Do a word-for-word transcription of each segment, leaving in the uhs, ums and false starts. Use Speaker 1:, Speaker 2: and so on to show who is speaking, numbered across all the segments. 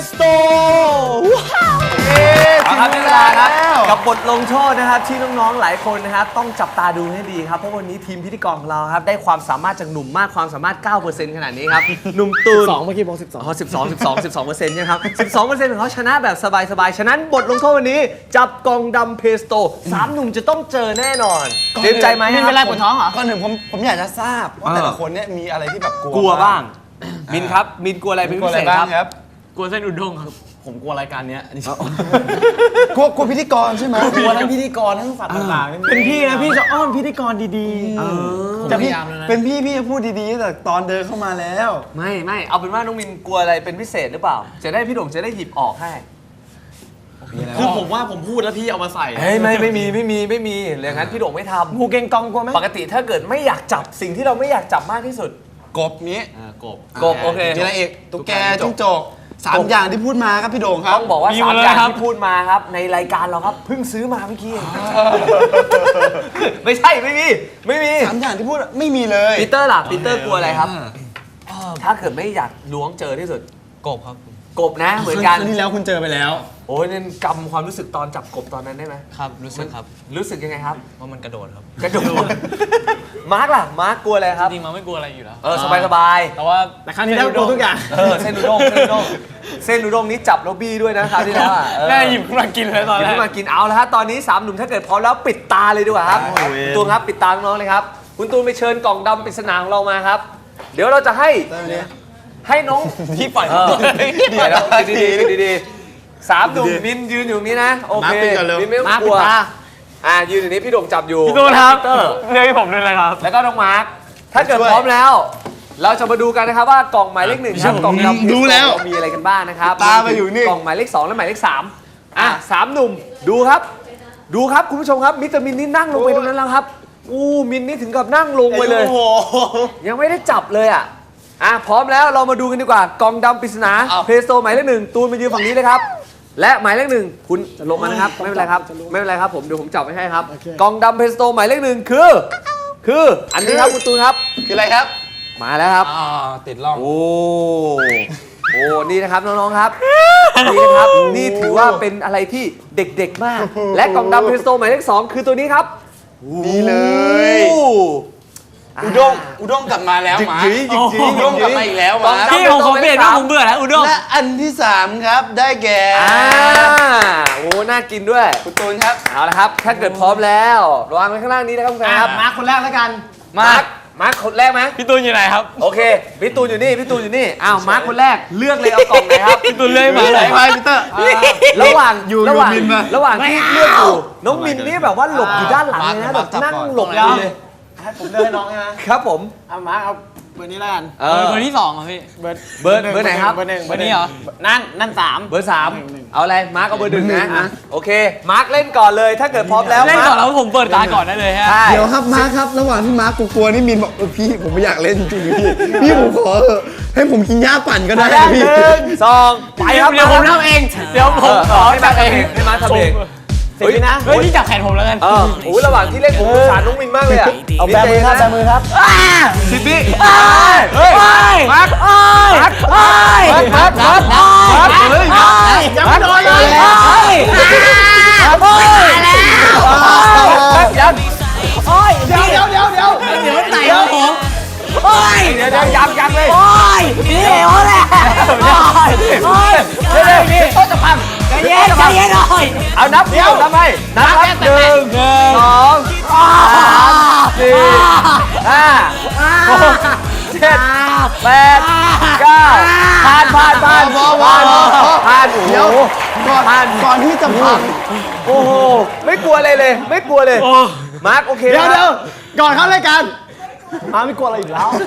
Speaker 1: สโตว้าวครับเวลาครับกับบทลงโทษนะครับที่น้องๆหลายคนนะครับต้องจับตาดูให้ดีครับเพราะวันนี้ทีมพิธีกรของเราครับได้ความสามารถจากหนุ่มมากความสามารถ เก้าเปอร์เซ็นต์ ขนาดนี้ครับหนุ่มตูน
Speaker 2: สองเมื่อกี้บอกสิบสอง
Speaker 1: อ๋อสิบสอง สิบสอง สิบสองเปอร์เซ็นต์ใช่ไหมครับสิบสองเปอร์เซ็นต์ของเขาชนะแบบสบายๆฉะนั้นบทลงโทษวันนี้จับกล่องดำเพสโตสามหนุ่มจะต้องเจอแน่นอนเตรียมใจไหมครับ
Speaker 2: เป็นไรปวดท้องเหรอ
Speaker 3: ก่อนหนึ่งผมผมอยากจะทราบว่าแต่ละคนเนี่ยมีอะไรที่แบบกลัว
Speaker 1: กลัวบ้างมินครับมินกลัวอะไรเป็น
Speaker 3: กลัว
Speaker 1: พิ
Speaker 3: อะไร
Speaker 1: เศษ
Speaker 3: บ้าง
Speaker 1: ค
Speaker 3: ค
Speaker 1: รั
Speaker 3: รับ บ
Speaker 2: กลัวเส้นอุด้งครับผมกลัวรายการเนี้ย
Speaker 3: กลัวกลัวพิธีกรใช่ไหม
Speaker 2: กลัวทั้งพิธีกรทั้งสัตว์ต่างๆเป็นพี่นะพี่จะอ้อนพิธีกรดีๆ
Speaker 3: จะพี่
Speaker 2: พยายามแล้วนะ
Speaker 3: เป็นพี่พี่จะพูดดีๆแต่ตอนเดินเข้ามาแล้ว
Speaker 1: ไม่ไม่เอาเป็นว่าน้องมินกลัวอะไรเป็นพิเศษหรือเปล่าจะได้พี่โด่งจะได้หยิบออกให้
Speaker 2: คือผมว่าผมพูดแล้วพี่เอามาใส่
Speaker 1: เฮ้ยไม่ไม่มีไม่มีไม่มีอย่างนั้นพี่โด่งไม่ท
Speaker 2: งูเก่งกองกลัวไหม
Speaker 1: ำปกติถ้าเกิดไม่อยากจับสิ่งที่เราไม่อยากจับมากที่สุด
Speaker 3: กบนี้
Speaker 2: กบ
Speaker 1: กบโอเค
Speaker 3: มีอะไรอีกตุ๊กแกจิ้งจกสามอย่างที่พูดมาครับพี่โด่งครับ
Speaker 1: ต้องบอกว่า
Speaker 2: มี
Speaker 1: สาม
Speaker 2: มาเลย
Speaker 1: อย่าง
Speaker 2: ครับ
Speaker 1: ที่พูดมาครับในรายการเราครับเพิ่งซื้อมาเมื่อกี้เองไม่ใช่ไม่มีไม่มี
Speaker 3: สามอย่างที่พูดไม่มีเลย
Speaker 1: ปีเตอร์ล่ะปีเตอร์กลัวอะไรครับถ้าเกิดไม่อยากล้วงเจอที่สุด
Speaker 2: กบครับ
Speaker 1: กบนะเหมือนกัน
Speaker 3: ครั้งที่แล้วคุณเจอไปแล้ว
Speaker 1: โอ้ยนั่นกำความรู้สึกตอนจับกบตอนนั้นได้ไหม
Speaker 2: ครับรู้สึกครับ
Speaker 1: รู้สึกยังไงครับ
Speaker 2: ว่ามันกระโดดครับ
Speaker 1: กระโดดมาร์กล่ะมาร์กกลัวอะไรครับ
Speaker 2: จริงๆมันไม่กลัวอะไรอยู่แล้ว
Speaker 1: เออสบายสบาย
Speaker 2: แต่ว่าแต่ครั้งนี้แล้วกลัวทุกอย่าง
Speaker 1: เออเส้นอุด้งเส้นอุด้งเส้นอุด้งนี้จับแล้วบี้ด้วยนะคราวที่แล้วอ่ะเออ
Speaker 2: แม่หยิบขึ้นมากินเลยตอน
Speaker 1: หยิบ
Speaker 2: แรก
Speaker 1: ขึ้นมากินเอาแล้วฮะตอนนี้สามหนุ่มถ้าเกิดพร้อมแล้วปิดตาเลยดีกว่าครับตูนครับปิดตาน้องๆเลยครับคุณตูนไปเชิญกล่องดำปริศนาของเรามาครับ เดี๋ยวเราจะให้ให้น้อง
Speaker 2: พี่ปล่อย
Speaker 1: เออเดี๋ยวนะดีๆดีๆสามหนุ่มมินยืนอยู่นี้นะโอเคมินไม่ต้องกลัวอ่ายืนอยู่นี้พี่โด่งจับอยู่
Speaker 2: พี่ตูนครับ
Speaker 1: เตอร์
Speaker 2: เรียกให้ผมด้วยเลยครับ
Speaker 1: แล้วก็น้องมาร์คถ้าเกิดพร้อมแล้ว เราจะมาดูกันนะครับว่ากล่องหมายเลขหนึ่งครับกล่องดำ
Speaker 3: ดูแล้ว
Speaker 1: มีอะไรกันบ้างนะครับ
Speaker 3: ตามไปอยู่นี่
Speaker 1: กล่องหมายเลขสองและหมายเลขสามอ่ะสามหนุ่มดูครับ ดูครับคุณผู้ชมครับมิสเตอร์มินนี่นั่งลงไปตรงนั้นแล้วครับอู้มินนี่ถึงกับนั่งลงไปเลย
Speaker 3: โอ้โห
Speaker 1: ยังไม่ได้จับเลยอ่ะอ่ะพร้อมแล้วเรามาดูกันดีกว่ากล่องดำปริศนาเพโซหมายเลขหนึ่งตูนมายืนฝั่งนี้เลยครับและหมายเลขหนึ่งคุณลงมานะครับไม่เป็นไรครับไม่เป็นไรครับผมเดี๋ยวผมจับไว้ให้ครับกล่องดำเพโซหมายเลขหนึ่งคือคืออันนี้ครับคุณตูนครับ
Speaker 3: คืออะไรครับ
Speaker 1: มาแล้วครับ
Speaker 3: อ่าติดล่อง
Speaker 1: โอ้ โอ้ นี่นะครับน้องๆครับ นี่นะครับ นี่ถือว่าเป็นอะไรที่เด็กๆมาก และกล่องดำเพสโตหมายเลขสองคือตัวนี้ครับ
Speaker 3: นี่เลย
Speaker 1: โอ้
Speaker 3: อุด้งอุด้งกลับมาแล้วหมา
Speaker 1: จริงๆจริงๆ
Speaker 3: อุด้งกลับมาอีกแล้วห
Speaker 1: กล่
Speaker 3: มา
Speaker 1: องดำ
Speaker 2: พี่ผมขอเปลี่ยนว่าผมเบื่อแล้วอุด้ง
Speaker 3: และอันที่สามครับได้แก่
Speaker 1: อ่าโอ้ น่ากินด้วย
Speaker 3: คุณตูนครับ
Speaker 1: เอาละครับ ถ้าเกิดพร้อมแล้ววางไว้ข้างล่างนี้นะครับคุณแฟนครับ
Speaker 2: มาคนแรกแล้วกัน
Speaker 1: มาร์ค มาร์คคนแรกไหม
Speaker 2: พี่ตูนอยู่ไหนครับ
Speaker 1: โอเค พี่ตูนอยู่นี่ พี่ตูนอยู่นี่ อ้าว มาร์คคนแรก เลือกเลยเอากล่องไหนครับ
Speaker 2: พี่ตูนเลื่อยมา
Speaker 3: ไหน
Speaker 2: เลย
Speaker 3: ไปพีเตอร์
Speaker 1: ระหว่าง
Speaker 3: อยู่
Speaker 1: ระหว่าง
Speaker 3: อยู่มินมา
Speaker 1: ระหว่างที่เลือกอยู่น้องมินนี่แบบว่าหลบอยู่ด้านหลังเลยนะแบบนั่งหลบอยู่เลย
Speaker 2: ให้ผมเดินให้น้องนะ
Speaker 1: ครับผม
Speaker 2: เอามาเอาเบอร์นี้แล้วกัน
Speaker 1: เอ
Speaker 2: เบอ
Speaker 1: อ
Speaker 2: ร์เบอร์ที่สองเหรอพี่ เบอร์
Speaker 1: เบอร์เบอร์ไหนครับ
Speaker 2: เบอร์หนึ่งเบอร์นี้เหรอ นั่นนั่นสาม
Speaker 1: เบอร์สามเอาอะไรมาร์คเอาเบอร์หนึ่งนะอ่ะโอเคมาร์คเล่นก่อนเลยถ้าเกิดพร้อมแล้ว
Speaker 2: เล่น
Speaker 1: มาร์ค
Speaker 2: ก่อนแล้วผมเปิดตาก่อนได้เลยฮะ
Speaker 1: ใช่
Speaker 3: เดี๋ยวครับมาร์คครับ ระหว่างที่มาร์คกลัวๆนี่มินบอกเออพี่ผมไม่อยากเล่นจริงๆพี่พี่ผมขอเถอะให้ผมกินหญ้าปั่นก็ได้
Speaker 1: แรก
Speaker 3: พี่
Speaker 1: หนึ่งสองไปครับ
Speaker 2: เดี๋ยวผมทำเอง เดี๋ยวผมขอ
Speaker 1: ให้มาร์คทำเองให้มาร์คทำเอง
Speaker 2: เฮ้ยนะเฮ้ยนี่จับแขนผมแล้วกัน
Speaker 1: เออโอ้ยระหว่างที่เล่นผมสงสารน้องมินมากเลยอ่ะ
Speaker 2: เอาแบมือครับแบมือครับ
Speaker 1: สิบวิ
Speaker 2: เฮ้ย
Speaker 1: มาร์คมาร์คมาร์คมาร์คมาร์คมาร์คเฮ้ย
Speaker 2: ยังไม่โดนเลย
Speaker 1: เฮ้ยยัง
Speaker 2: โอ้ยเดี๋ยวเดี๋ยวเดี๋ยวเดี๋ยวเดี๋ยวไหนครับผมโอ้ย
Speaker 1: เดี๋ยวเดี๋ยวยังยังเลย
Speaker 2: โอ้ยนี่โอ้ยแหละโอ้ยโอ้ย
Speaker 1: เดี๋ยวเดี๋ยวนี่โต๊ะจะพัง
Speaker 2: ใจเย็นใจเย็นหน่อย
Speaker 1: เอานับเดี๋ยวนับให้นับครับหนึ่งสองสามสี่ห้าหกเจ็ดแปดเก้าผ่านผ่านผ่าน
Speaker 3: พอพอ
Speaker 1: ผ่าน
Speaker 3: พอพอ
Speaker 1: ผ่านโอ้โห
Speaker 3: เดี๋ยวก่อน
Speaker 1: ผ่าน
Speaker 3: ก่อนที่จะพัง
Speaker 1: โอ้โหไม่กลัวอะไรเลย ไม่กลัวเลยมาร์คโอเค
Speaker 3: เดี๋ยว
Speaker 1: นะ
Speaker 3: เดี๋ยวก่อนเข้ารายการมาไม่กลัวอะไรอีกแล้ว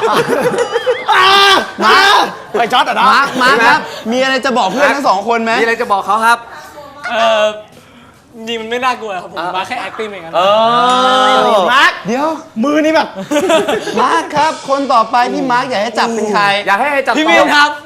Speaker 3: มาไปจอดอ่ะนะมาร์คมาร์คครับ มีอะไรจะบอกเพื่อนทั้งสองคนไหม
Speaker 1: มีอะไรจะบอกเขาครับ
Speaker 2: เออจริงมันไม่น่ากลัวครับผมมาแค่ acting เองครับ
Speaker 1: เออ
Speaker 3: มาร์คเดี๋ยวมือนี่แบบมาร์คครับ คนต่อไปที่มาร์คอยากให้จับเป็นใคร
Speaker 1: อยากให้ให้จับ
Speaker 2: พี่
Speaker 1: ต่
Speaker 2: มิ
Speaker 1: อน
Speaker 2: ครับ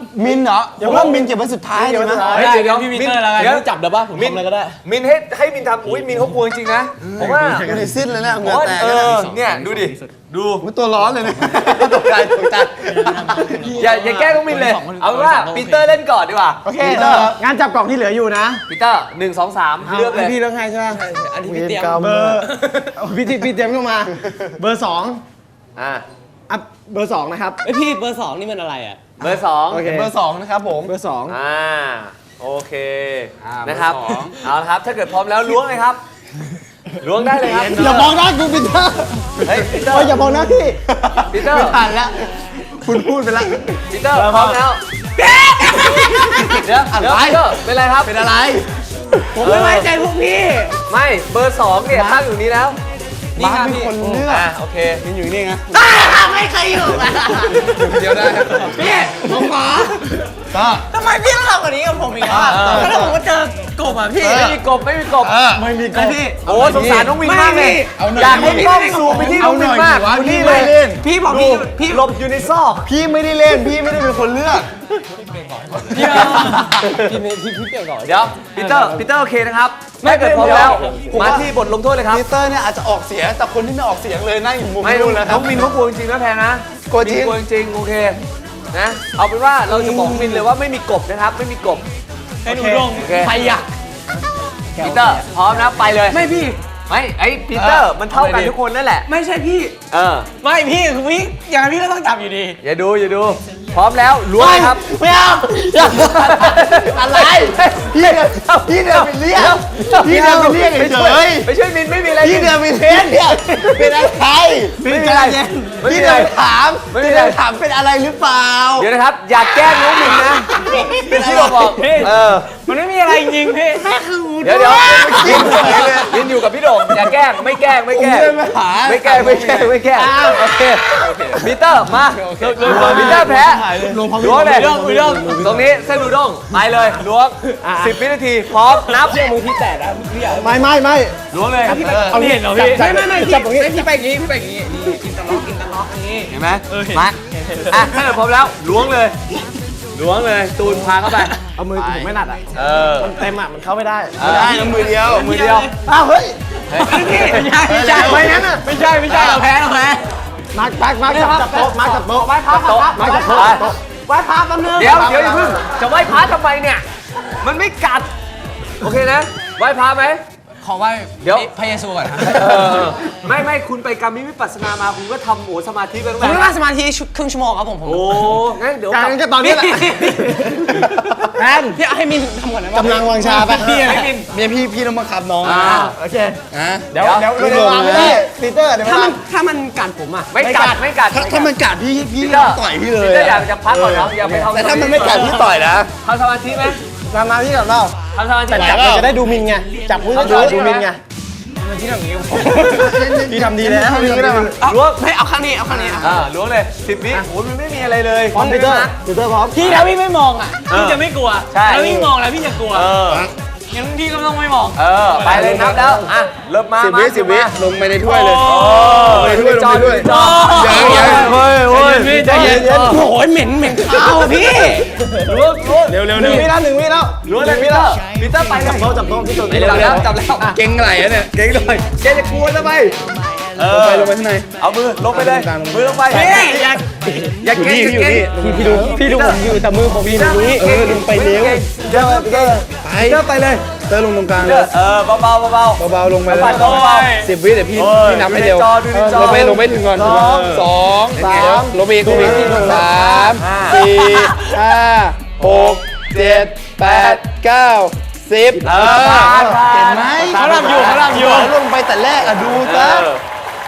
Speaker 3: มินเหรออย่าว่ามินเก็บไว้สุดท้ายเลยนะ
Speaker 1: เฮ้ยเดี๋ยว
Speaker 2: พี่ปีเตอร์แล้วกัน
Speaker 1: เดี๋ยว
Speaker 2: จับเดี๋ยวป่ะผมทำอะไรก็ได้
Speaker 1: มินให้ให้มินทำอุ้ยมินเขากลัวจริงๆนะผมว่า
Speaker 3: อยู่ในสิ้นเลยนะ
Speaker 1: ผ
Speaker 3: เห
Speaker 1: ม
Speaker 3: งื่อ
Speaker 1: ว่า
Speaker 3: แตก
Speaker 1: เอ
Speaker 3: เลย
Speaker 1: อ
Speaker 3: นะ
Speaker 1: เนี่ยดูดิดู
Speaker 3: มันตัวร้อนเลยนะตกใจตกใจ
Speaker 1: อย่าอย่าแกล้งน้องมินเลยเอาเป็นว่าปีเตอร์เล่นก่อนดีกว่า
Speaker 3: โอเค
Speaker 2: ปีเตอร์งานจับกล่องที่เหลืออยู่นะ
Speaker 1: ปีเตอร์หนึ่งสองสามเลือกเลย
Speaker 3: พี่เลือกให้ใช่ไหม
Speaker 2: อันที่พี่เตรียม
Speaker 3: เบอร์พี่ที่พี่เตรียมเข้ามา
Speaker 2: เบอร์สอง
Speaker 1: อ่า
Speaker 2: อ่ะเบอร์สองนะครับ
Speaker 4: ไอยพี่เบอร์สองนี่มันอะไรอ่ะ
Speaker 1: เบอร์สอง
Speaker 3: โอเคเบอร์สองนะครับผม
Speaker 2: เบอร์สอง
Speaker 1: อ่าโอเค
Speaker 2: อ่า
Speaker 1: นะครับ
Speaker 2: เบอร์สอง
Speaker 1: เอาละครับถ้าเกิดพร้อมแล้วล้วงเลยครับล้วงได้เลยครับ
Speaker 3: อย่ามองหน้ากูปีเตอร์
Speaker 1: เฮ้ยปีเตอ
Speaker 3: โอ้ย
Speaker 1: ร์
Speaker 3: อย่ามองหน้าพี่
Speaker 1: ปีเตอร์
Speaker 3: ไม่ทันแล้วคุณพูดไปแล้ว
Speaker 1: ปีเตอร์พร้อมแล้วเดี๋ยวเดี๋ยวปีเตอร์เป็นไรครับเป็นอะไร
Speaker 4: ผมไม่ไว้ใจพวกพี่
Speaker 1: ไม่เบอร์สองเนี่ยตั้งอยู่นี้แล้ว
Speaker 3: บ้าเป็นคนเลือก
Speaker 1: อ่าโอเค
Speaker 3: มินอยู่นี่ไง
Speaker 4: ไม่เคยอยู่อ่ะ
Speaker 3: เดียวได้
Speaker 4: พี่ผมขอ
Speaker 3: ก็
Speaker 4: ทำไมพี่ต้องทำแบบนี้กับผมอีกอ่ะแล้วผมก็เจอกบอ่ะพี่
Speaker 1: ไม่มีกบไม่มีกบ
Speaker 3: ไม่มีกบ
Speaker 4: พี่
Speaker 1: โอ้สงสารน้องวินมากเลย
Speaker 3: เอาหน่อย
Speaker 1: อยากให้กล้องซูมไปที่น้องวินมาก
Speaker 3: เอาหน่อย
Speaker 1: นี่
Speaker 3: ดิ
Speaker 1: เล
Speaker 3: วะ
Speaker 1: ย
Speaker 3: พี่ไม่เล่น
Speaker 4: พี่บอกพี่พี่
Speaker 1: หลบอยู่ในซอก
Speaker 3: พี่ไม่ได้เล่นพี่ไม่ได้เป็นคนเลือก
Speaker 4: พี่พี่พี่พี่เปลี่ยนก่อน
Speaker 1: เดี๋ยวปีเตอร์ปีเตอร์โอเคนะครับถ้าเกิดพร้อมแล้วมาที่บทลงโทษเลยครับ
Speaker 3: ปีเตอร์เนี่ยอาจจะออกเสียงแต่คนที่ไม่ออกเสียงเลยนั่งอยู่มุม
Speaker 1: ไม่
Speaker 3: นู้นนะค
Speaker 1: น้
Speaker 3: รั
Speaker 1: อบ งมินเขากลัวจริงๆนะแพนนะ
Speaker 3: กลัวจริง
Speaker 1: มินกลัวจริงๆโอเคนะเอาเป็นว่าเราจะบอกมินเลยว่าไม่มีกบนะครับไม่มีกบ
Speaker 4: ให้หนูลง
Speaker 1: โอเค
Speaker 4: ใครอยาก
Speaker 1: ปีเตอร์พร้อมนะไปเลย
Speaker 4: ไม่พี่
Speaker 1: ไม่ไอ้ปีเตอร์มันเท่ากันทุกคนนั่นแหละ
Speaker 4: ไม่ใช่พี่
Speaker 1: เออ
Speaker 4: ไม่พี่คือพี่อย่างนั้นพี่ก็ต้องจับอยู่ดี
Speaker 1: อย่าดูอย่าดูพร้อมแล้วล้วงเลยครับ
Speaker 3: ไม่เอาอะไรพี่เดินพี่เดินไปเรียกพี่เดินไปเรียก
Speaker 1: ไป
Speaker 3: เฉ
Speaker 1: ช่วย
Speaker 3: ย
Speaker 1: ไปช่วยมินไม่มีอะไร
Speaker 3: พี่เดินไปเรียกเนี่ยเป็นอะไร
Speaker 1: ไม่มีอะไรไม่มี
Speaker 3: พี่
Speaker 1: อะไร
Speaker 3: เดินถาม
Speaker 1: ไม่มี
Speaker 3: พี่
Speaker 1: อะไร
Speaker 3: เดินถามเป็นอะไรหรือเปล่า
Speaker 1: เดี๋ยวนะครับ อย่าแกล้งน้องมินนะเป็นที่เราบอกเออ
Speaker 4: มันไม่มีอะไรจริงๆพี่แม่คือ
Speaker 1: เดี๋ยวเดี๋ยวยินยินอยู่กับพี่โด่งอย่าแกล้งไม่แกล้งไม่แกล้ง
Speaker 3: ผมเดินมาหา
Speaker 1: ไม่แกล้งไม่แกล้งไม่แกล้งโอเคปีเตอร์มาปีเตอร์แพ้ล้วงเลยตรงนี้เส้นอูด้งไปเลยล้วงสิบวินาทีพร้อมนับ
Speaker 4: มือพี่แตกนะพี่อ่ะ
Speaker 3: ไม่ไม่ไม่
Speaker 1: ล้วงเลย
Speaker 4: เอาเห็นเหรอพี่
Speaker 3: จับ
Speaker 4: ไม่ไม่ไม่พี่
Speaker 3: จับตรงนี้
Speaker 4: พี่ไปอย่างนี้พี่ไปอย่างนี้นี่กินตะล็อกกินตะล็อกอย่างนี้
Speaker 1: เห็นไหมมาอ่ะถ้าเกิดพร้อมแล้วล้วงเลยล้วงเลยตูนพาเข้าไป
Speaker 2: เอามือผมไม่หนัดอ่ะ
Speaker 1: เออ
Speaker 2: เต็มอ่ะมันเข้าไม่ได้
Speaker 3: ไม่ได้นะมือเดียว
Speaker 1: มือเดียว
Speaker 3: อ้าวเฮ้ย
Speaker 4: พี่ไม่ใช่ไม่ใช่
Speaker 3: ไม่งั้นน่ะ
Speaker 4: ไม่ใช่ไม่ใช่เราแพ้เราแพ้
Speaker 2: มาร์คมาร์คมาร์คจับจับโต๊ะมาร์คจับโต๊ะ
Speaker 4: ไหว้พระ
Speaker 1: โต๊ะ
Speaker 2: มาร์คจับโต๊ะจับโต๊ะ
Speaker 4: ไหว้พระแป๊บนึง
Speaker 1: เดี๋ยวเดี๋ยวอย่าเพิ่งจะไหว้พระทำไมเนี่ย มันไม่กัด โอเคนะ ไหว้พระไหม
Speaker 4: ขอไหว้
Speaker 1: เดี๋ยว
Speaker 4: พระเยซูก่อนครับ
Speaker 1: เออไม่ไม่คุณไปกรรมวิปัสสนามาคุณก็ทำโหสมาธิไปตั้ง
Speaker 4: ผม
Speaker 1: แต่
Speaker 4: ไม่นั่งสมาธิครึ่งชั่วโมงครับผมผม
Speaker 1: โอ้งั้นเดี๋ยว
Speaker 2: การก็ตอนนี้แหละแพน
Speaker 4: พี่เอาให้มินทำก่อนนะ
Speaker 3: กำลังวางชาไป
Speaker 1: พี่ให้มิน
Speaker 3: เมียพี่พี่ต้องบังคับน้อง
Speaker 1: อ่า
Speaker 2: โอเค
Speaker 3: นะ
Speaker 2: เดี๋ยวเดี๋ยว
Speaker 3: พี่
Speaker 2: เดี๋ยว
Speaker 3: ลง
Speaker 2: ไม่
Speaker 3: นะ
Speaker 2: ได้ปีเตอร์เดี๋ยว
Speaker 4: ถ้า
Speaker 2: มา
Speaker 4: มันถ้ามันกัดผมอ่ะ
Speaker 1: ไม่กัดไม่กัด
Speaker 3: ถ้าถ้ามันกัดพี่พี่
Speaker 1: พี่เตอร์
Speaker 3: ต่อยพี่เลย
Speaker 1: พี่เตอร์อยากจะพักก่อนเนาะอย่าไปทำ
Speaker 3: แต่ถ้ามันไม่กัดพี่ต่อยนะ
Speaker 1: ทำสมาธิไหม
Speaker 2: มามาที่กับเรา
Speaker 1: ทำสมาธิ
Speaker 2: แต่
Speaker 1: ไหม
Speaker 2: จับมันจะได้ดูมินไงจับมือจะได้ดูมินไง
Speaker 4: ที่ทำอย่างนี้
Speaker 2: พี่ทำดีแล้วพี่ก็ได้มา
Speaker 1: ล้วง
Speaker 4: ไม่เอาข้างนี้เอาข้างนี้อ่ะ
Speaker 1: อ่าล้วงเลยสิบวิโอ้ยมันไม่มีอะไรเลย
Speaker 2: พร้อมปีเตอร์ปีเตอร์พร้อม
Speaker 4: พี่ถ้าพี่ไม่มองอ่ะพี่จะไม่กลัว
Speaker 1: ใช่
Speaker 4: ถ้าพี่มองแล้วพี่จะกลัว
Speaker 1: เออ
Speaker 4: งั้นพี่ก็ต้องไม่มอง
Speaker 1: เออ ไปเลยนับแล้ว อ่ะ เริ่มมา
Speaker 3: สิบ
Speaker 1: มา
Speaker 3: วิสิบวิ
Speaker 1: มา
Speaker 3: ลงไปในถ้วยเลย
Speaker 1: โอ้
Speaker 3: ลงไปถ้วยลงไปถ้วย
Speaker 1: จอ
Speaker 3: ยังยัง
Speaker 1: เฮ้ยเฮ้ย
Speaker 4: พี่ใจเย็นโอ้โหเหม็นเหม็นข้าวอ่ะพี่
Speaker 1: ล้วงล้วง
Speaker 3: เร็วเร็ว
Speaker 2: ห
Speaker 3: เร็
Speaker 2: นึ่ง
Speaker 3: ว
Speaker 2: วิแล้วหนึ่งวิแล้ว
Speaker 1: ล้วงเลยพีเตอร์พีเตอร์ไปเลย
Speaker 2: โต๊ะจับโต๊ะพี่ตัว
Speaker 1: ไปจับแล้วจับแล้ว
Speaker 3: เก่งไหลอะเนี่ยเก่งหน่อย
Speaker 1: แกจะกลัวทำไมเอ
Speaker 3: ลง
Speaker 1: อ
Speaker 3: ไปลงไปข้างใน
Speaker 1: เอามือลงไปเลย มือลงไป
Speaker 4: พี่อย่า
Speaker 1: อย่าเก่ง
Speaker 3: อยู่นี่
Speaker 1: อย่าเก่ง
Speaker 3: อยู่นี่
Speaker 2: พี่ดูผมอยู่แต่มือผมอยู่ตรงนี้
Speaker 3: เออลงไปเร็ว
Speaker 1: เดี๋ยวเก่ง
Speaker 3: ไป
Speaker 1: เดี๋ยวไปเลย
Speaker 3: เตอร์ลงตรงกลาง
Speaker 1: เดี๋
Speaker 3: เลย
Speaker 1: วยเออเบาๆเบาๆเบา
Speaker 3: เบาๆลงไปเลย
Speaker 1: เบาๆเบา
Speaker 3: สิบวิเดี๋ยวพี่
Speaker 1: โอ้ย
Speaker 3: พี่นับให้เร็ว
Speaker 1: ดูในจอดูในจอ
Speaker 3: ลงไปลงไปถึงก่อน
Speaker 1: สอง
Speaker 3: สองสามลงไปอีกลงไปอีกสาม
Speaker 1: ห้า
Speaker 3: สี่ห้าหกเจ็ดแปดเก้าสิบ
Speaker 1: เออผ่านผ่าน
Speaker 3: เห็นไหม
Speaker 4: เขาทำอยู่เขาทำอยู่
Speaker 3: ลงไปแต่แรกอะดูซะ
Speaker 1: เออ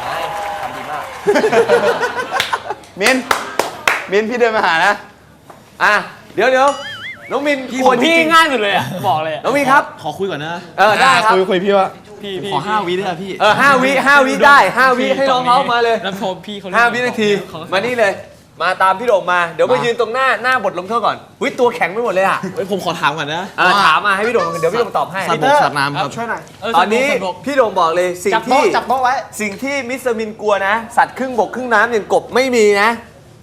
Speaker 3: มินมินพี่เดินมาหานะ
Speaker 1: อ่ะ เดี๋ยวเดี๋ยวน้องมินกลัวจ
Speaker 4: พี่
Speaker 1: ริง
Speaker 4: ง่ายสุดเลยอ่ะบอกเลย
Speaker 1: ๆน้องมินครับ
Speaker 2: ขอคุยก่อนนะ
Speaker 1: เออ ได้ครับ
Speaker 3: คุยคุยพี่ว่า
Speaker 4: พี่พี่
Speaker 2: ขอห้าวิได้ไหมพี่
Speaker 1: เออห้าวิห้าวิได้ห้าวิให้น้องเขามาเลย
Speaker 4: แล้วพอพี่เขา
Speaker 1: ห้าวินาที มานี่เลย มาตามพี่โด่งมา เดี๋ยวมายืนตรงหน้าหน้าบทลงโทษก่อนหุ้ยตัวแข็งไปหมดเลยอ่ะ
Speaker 2: เฮ้ยผมขอถามก่อนนะ
Speaker 1: เออถามมาให้พี่โด่งเดี๋ยวพี่โด่งตอบให้
Speaker 2: ปีเตอร์สาดน้ำครับช่วยหน่อย
Speaker 1: ตอนนี้พี่โด่งบอกเลยสิ่ง
Speaker 2: จับโต๊ะ
Speaker 1: ที่
Speaker 2: จับโต๊ะไว้
Speaker 1: สิ่งที่มิสเตอร์มินกลัวนะ สัตว์ครึ่งบกครึ่งน้ำอย่างกบไม่มีนะ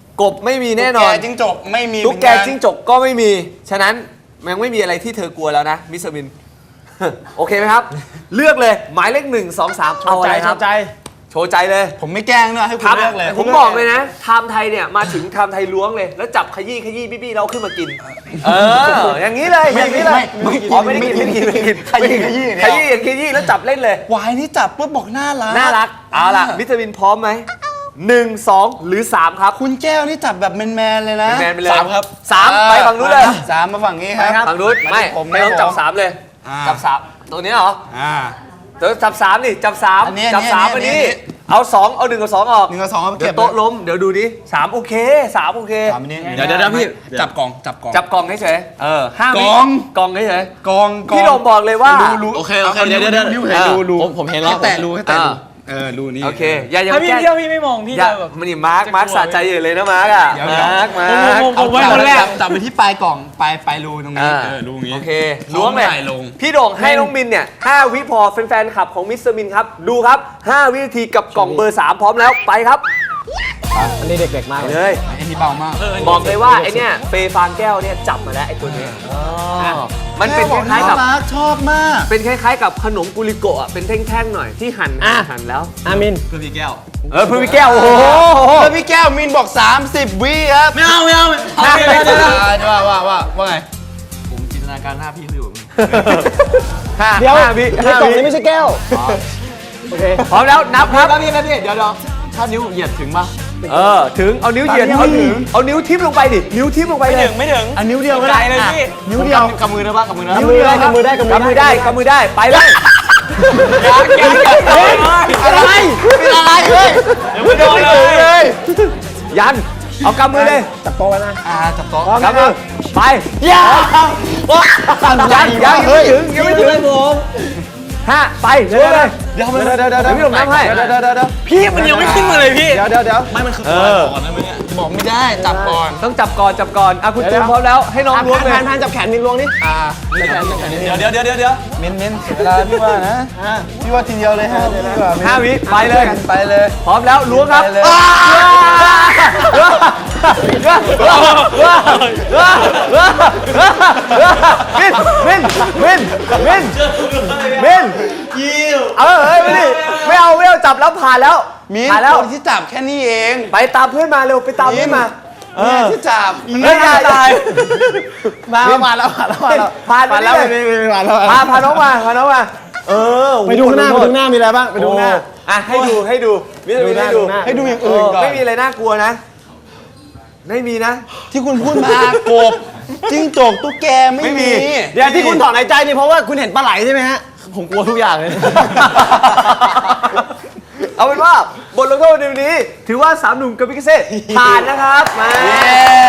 Speaker 1: กบไม่มีแน่นอน
Speaker 3: ตุ๊กแกจิ้งจกไม่มี
Speaker 1: ตุ๊กแกจิ้งจกก็ไม่มี ฉะนั้นมันยังไม่มีอะไรที่เธอกลัวแล้วนะมิสมิน โอเคไหมครับ เลือกเลยหมายเลขหนึ่งสองสามเอาอะไรครับ
Speaker 2: ใจ
Speaker 1: โชว์ใจเลย
Speaker 3: ผมไม่แกล้งด้วยให้คุณ
Speaker 1: ครับ
Speaker 3: เลือกเลย
Speaker 1: ผมบอกเลยนะไทม์ไทยเนี่ยมาถึงไทม์ไทยล้วงเลย แล้วจับขยี้ขยี้บี้บี้เราขึ้นมากิน เออ อย่างนี้เลยอย่างนี้เลยอ๋อไม่ได้กินไม่ได้กินไม่ได้กิน
Speaker 3: ขยี้ขยี้
Speaker 1: ขยี้ขยี้แล้วจับเล่นเลย
Speaker 3: วายนี่จับปุ๊บบอกน่ารัก
Speaker 1: น่ารักเอาล่ะมิสเตอร์วินพร้อมไหมหนึ่งสองหรือสามครับ
Speaker 3: คุณแก้วนี่จับแบบแมนๆเลยนะ
Speaker 1: แมนๆไปเลย
Speaker 3: สามครับ
Speaker 1: สามไปฝั่งนู้นเลย
Speaker 3: สามมาฝั่งนี้ครับ
Speaker 1: ฝั่งนู้นไม่
Speaker 3: ผม
Speaker 1: ไม่ต้อง
Speaker 3: ผม
Speaker 1: จับสามเลย
Speaker 3: อ่า
Speaker 1: จับสามตัวนี้เหรอ
Speaker 3: อ่า
Speaker 1: เดี๋ยวจับสามนี่จับสาม
Speaker 3: อันนี้
Speaker 1: จับสาม
Speaker 3: อั
Speaker 1: อั
Speaker 3: น
Speaker 1: น
Speaker 3: นี้
Speaker 1: นี้เอาสองเอาหนึ่งกับสองออก
Speaker 3: หนึ่งกับสองเอา
Speaker 1: เดี๋
Speaker 3: เก็
Speaker 1: ย
Speaker 3: บ
Speaker 1: วโต๊ะล้มเดี๋ยวดูดิสามโอเคสามโอเค
Speaker 3: สามอันนี้
Speaker 2: เดี๋ยวเดี๋ยวเดี๋ยวพี่
Speaker 3: จับกล่องจับกล่อง
Speaker 1: จับกล่องเฉยๆเออห้าวิ
Speaker 3: กล่อง
Speaker 1: กล่องเฉย
Speaker 3: กอง
Speaker 1: ๆพี่โดมบอกเลยว่า
Speaker 3: รูรู
Speaker 2: โอเคโอเคเดี๋ยวเดี๋ยวเดี๋ยว
Speaker 3: นิ้วเห็นรูรู
Speaker 2: ผมผมเห็นแล้ว
Speaker 3: ให้แตะรูให้แตะรู
Speaker 1: อ่า
Speaker 3: เออรูนี้
Speaker 1: โอเคอย่าอย่า
Speaker 4: ถ้าพี่
Speaker 1: แก้
Speaker 4: เที่ยวพี่ไม่มองพี่
Speaker 1: อย่า
Speaker 4: จะแบบ
Speaker 1: มันนี่มาร์คมาร์คสะใจอยู่เลยนะมาร์คอ่ะ
Speaker 3: เดี๋ยวเดี๋ยว
Speaker 1: มาร์คมาร์ค
Speaker 4: ผมผมผมไว้
Speaker 3: จับ
Speaker 4: คนแรก
Speaker 3: จับจับไปที่ปลายกล่องปลายปลายรูตรงนี้
Speaker 1: อ่า
Speaker 3: เออรูนี้
Speaker 1: โอเคล้วงเลย
Speaker 3: เอาใหม่ลง
Speaker 1: พี่โด่งให้น้องมินเนี่ยห้าวิพอแฟนๆขับของมิสเตอร์มินครับดูครับห้าวินาทีกับกล่องเบอร์สามพร้อมแล้วไปครับ
Speaker 2: อันนี้เด็กๆมากเลย
Speaker 1: เลย
Speaker 3: ไอ้นี่เบามาก
Speaker 1: บอกเลยว่าไอเนี่ยเฟย์ฟางแก้วเนี่ยจับมาแล้วไอตัวเนี้ยะมันเป็นคล้ายๆกับ
Speaker 3: น่รัชอบมาก
Speaker 1: เป็นคล้ายๆกับขนมกุลิโกะอะเป็นแท่งๆหน่อยที่หั่นหั่นหั่นแล้ว
Speaker 2: อามิน
Speaker 3: เพื่อพี่แก้ว
Speaker 1: เออเพื่อพี่แก้วโอ้โห
Speaker 3: เพื่อพี่แก้วมินบอก สามสิบ วิครับ
Speaker 2: ไม่เอาไม่เอาไม่
Speaker 1: ห้า
Speaker 2: เอา
Speaker 1: วิ
Speaker 2: เดี๋ยวเดี๋ยว
Speaker 1: เดี๋ยว
Speaker 3: ว่าว่าว่าว่าไง
Speaker 2: ผมจินตนาการหน้าพี่เขาอยู่
Speaker 1: ห้า
Speaker 2: เดี๋ยว
Speaker 1: ห้าวิ
Speaker 2: ใน
Speaker 1: ห้าก
Speaker 2: ล่อง
Speaker 1: วิ
Speaker 2: นี้ไม่ใช่แก้วโอเค
Speaker 1: พร้อมแล้วนับครับ
Speaker 2: แล้วพี่แล้วพี่เดี๋ยวเดี๋ยวถ้านิ้วเหยียดถึงปะ
Speaker 1: เออถึงเอานิ้วเหยียดเอานิ้วเอานิ้วทิ่มลงไปดินิ้วทิ่มลงไป
Speaker 4: ไม่
Speaker 1: เล
Speaker 4: ถึ
Speaker 1: ย
Speaker 4: งไม่ถึง
Speaker 2: อันนิ้วเดียวก็
Speaker 4: ไกล
Speaker 2: ได้
Speaker 4: เลยพี่
Speaker 2: นิ้วเดียวกำมือได้ปะกำมือนะ
Speaker 1: นิ้วเดียวครับ
Speaker 2: กำมือได้กำมือ
Speaker 1: กำมือได้กำมือได้ไปเลย
Speaker 4: ยังยังยัง
Speaker 1: อะไรเป็นอะไรเฮ้ย
Speaker 4: ไม่โดนเลย
Speaker 1: ยันเอากำมือเลย
Speaker 2: จับโต๊ะไว้นะ
Speaker 3: อ่าจับโต๊ะ
Speaker 1: กำมือไปยันยันยังไม่ถึงยังไม่ถึงห้าไปเร็วเลย
Speaker 2: เดี๋ยวเดี๋ยวเดี๋ยวเดี๋ยว
Speaker 1: เดี๋ยวพี่หนุ่มนับให้
Speaker 2: เดี๋ยวเดี๋ยวเดี๋ยวเดี๋ยว
Speaker 4: พี่มันยังไม่ขึ้นมาเลยพี่
Speaker 2: เดี๋ยวเดี๋ยวเดี๋ยวไม่มันคือ
Speaker 1: เออ
Speaker 2: ก่อนนะมึงเนี่ย
Speaker 3: บอกไม่ได้จับก่อน
Speaker 1: ต้องจับก่อนจับก่อนอ่ะคุณจูนพร้อมแล้วให้น้องล้วงเลย
Speaker 2: พานพานจับแขนมินล้วงนี่
Speaker 3: อ่า
Speaker 2: จับแขนจับแขนนิด
Speaker 4: เดี๋ยวเดี๋ยวเดี๋ยวเดี๋ยวเดี๋ยว
Speaker 3: มินมินเสียเวลาพี่ว่านะพี่ว่าทีเดียวเลยฮะดีกว่ามิน
Speaker 1: ห้าวิไปเลย
Speaker 3: ไปเลย
Speaker 1: พร้อมแล้วล้วงครับ
Speaker 3: ไปเลย
Speaker 1: มินมินมินมินมินเออเฮ้ยไม่ดิไม่เอาไม่เอาจับแล้วผ่านแล้ว
Speaker 3: มิน
Speaker 1: ผ่านแล้ว
Speaker 3: คนที่จับแค่นี้เอง
Speaker 1: ไปตามเพื่อนมาเร็วไปตามเพื่อนมา
Speaker 3: เนี่ยที่จับ
Speaker 1: เฮ้ยอย่าตาย
Speaker 2: มามาแล้วมาแล้วมาแล้ว
Speaker 1: ผ่านไป
Speaker 2: มาแล้ว
Speaker 1: เลย
Speaker 2: ไม่ไม่ไม่มาแล้ว
Speaker 1: พาพาน้องมาพาน้องมาเออ
Speaker 2: ไปดูข้างหน้าไปดูข้างหน้ามีอะไรบ้างไปดูข้างหน้า
Speaker 1: อ่ะให้ดูให้ดูวิทยาให้ดู
Speaker 2: ดูหน้า
Speaker 3: ให้ดูอย่างอื่นก่อน
Speaker 1: ไม่มีอะไรน่ากลัวนะ ไม่มีนะ
Speaker 3: ที่คุณพูดมากบจิ้งจกตุ๊กแกไม่
Speaker 1: ไม่มี
Speaker 3: มี
Speaker 2: เดี๋ยวที่คุณถอนหายใจนี่เพราะว่าคุณเห็นปลาไหลใช่ไหมฮะผมกลัวทุกอย่างเลย
Speaker 1: เอาเป็นว่าบทลงโทษในวันนี้ ถือว่าสามหนุ่มกับพิกเซ่ผ่านนะครับมา
Speaker 3: เย้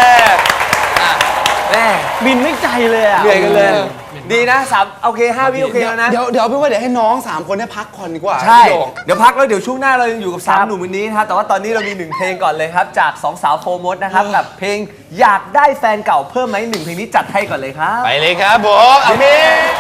Speaker 1: แม่
Speaker 2: บินไม่ใจเลยอ่ะ
Speaker 1: เหนื่อยกันเลย ดีนะสามโอเคห้าวิโอเคแล้วนะ
Speaker 3: เดี๋ยวเดี๋ยวพี่ว่าเดี๋ยวให้น้องสามคนเนี่ยพักก่อนดีกว่า
Speaker 1: ใช่
Speaker 3: พี่โด่ง
Speaker 1: เดี๋ยวพักแล้วเดี๋ยวช่วงหน้าเรายังอยู่กับสามหนุ่มวันนี้นะครับแต่ว่าตอนนี้เรามีหนึ่งเพลงก่อนเลยครับ จากสองสาวโฟร์มดนะครับกับเพลงอยากได้แฟนเก่าเพิ่มไหมหนึ่งเพลงนี้จัดให้ก่อนเลยครับ
Speaker 3: ไปเลยครับผมอามิน